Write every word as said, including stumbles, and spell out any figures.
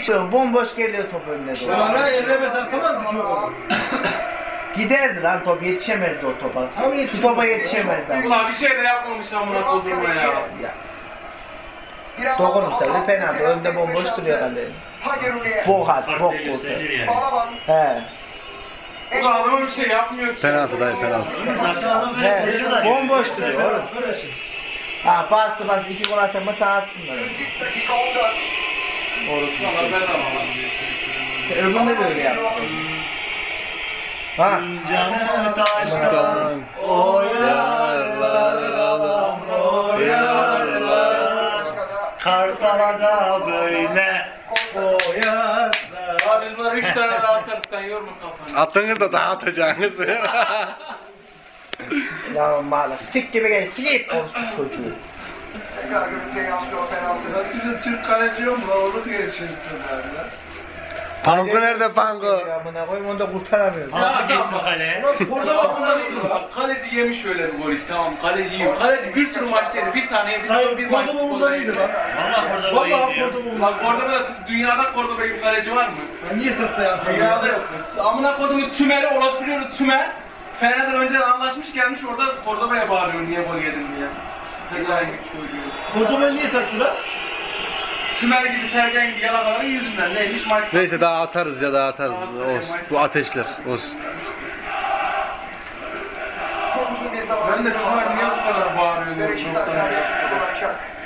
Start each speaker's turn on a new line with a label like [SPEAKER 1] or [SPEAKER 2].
[SPEAKER 1] Bomboş geliyor top önüne doğru.
[SPEAKER 2] Ara ellemesen atamazdı ki o.
[SPEAKER 1] Giderdi lan top, yetişemezdi o topa. Şu topa yetişemezdi ama.
[SPEAKER 3] Ulan bir şey de yapmamış amına kodurma ya.
[SPEAKER 1] Ya. Dokunursa bir penaltı. Önde bomboş duruyor kaleye. Bok at, bok kurtar. He.
[SPEAKER 3] Ulan adama bir şey yapmıyor ki.
[SPEAKER 4] Penaltı dayı penaltı.
[SPEAKER 1] He. Bomboş duruyor oğlum. Ha bastı bastı iki gol atama sana atsınlar. Orası.
[SPEAKER 3] Valla ben de ama.
[SPEAKER 1] Öbüründe de öyle yaptı. Ha.
[SPEAKER 2] Canı taştan oyarlar, oyarlar. Kartalada böyle oyarlar.
[SPEAKER 3] Abi biz bunları üç tane daha atarız, sen yorma kafanı.
[SPEAKER 4] Attınız da daha atacaksınız.
[SPEAKER 1] Ya mağla sik gibi gel silip olsun çocuğu.
[SPEAKER 2] Ya sizin Türk kaleci yok mu? Olur geçin ya.
[SPEAKER 4] Panko nerede Panko?
[SPEAKER 1] Ya buna koyayım onu da kurtaramıyoruz.
[SPEAKER 3] Ya adam
[SPEAKER 2] kaleye.
[SPEAKER 3] Orada bak bunlar bak kaleci yemiş öyle bir golü, tamam kaleci yiyor. Kaleci bir sürü maçta yedi, bir tane yedi,
[SPEAKER 2] Hayır,
[SPEAKER 3] bir maç
[SPEAKER 2] Kordoba
[SPEAKER 3] futbolda
[SPEAKER 2] bundan
[SPEAKER 3] yedi.
[SPEAKER 2] iyiydi lan. Valla Kordoba iyiydi. Valla Kordoba
[SPEAKER 3] Bak Kordoba'da, dünyada Kordoba gibi kaleci var mı?
[SPEAKER 2] Niye sattı ya?
[SPEAKER 3] Dünyada yok. Amına kodumu Tümer'i orası biliyoruz Tümer. Fener'den önce anlaşmış gelmiş orada Kordoba'ya bağırıyor niye gol yedin diye. Helal gibi çocuğu.
[SPEAKER 2] Kordoba'yı niye sattılar?
[SPEAKER 3] Tümer gibi Sergen gibi yalakaların yüzünden neymiş maç.
[SPEAKER 4] Neyse daha atarız ya daha atarız. Olsun. Bu ateşler olsun.
[SPEAKER 3] Ben de Tümer niye bu kadar bağırıyor diyorum.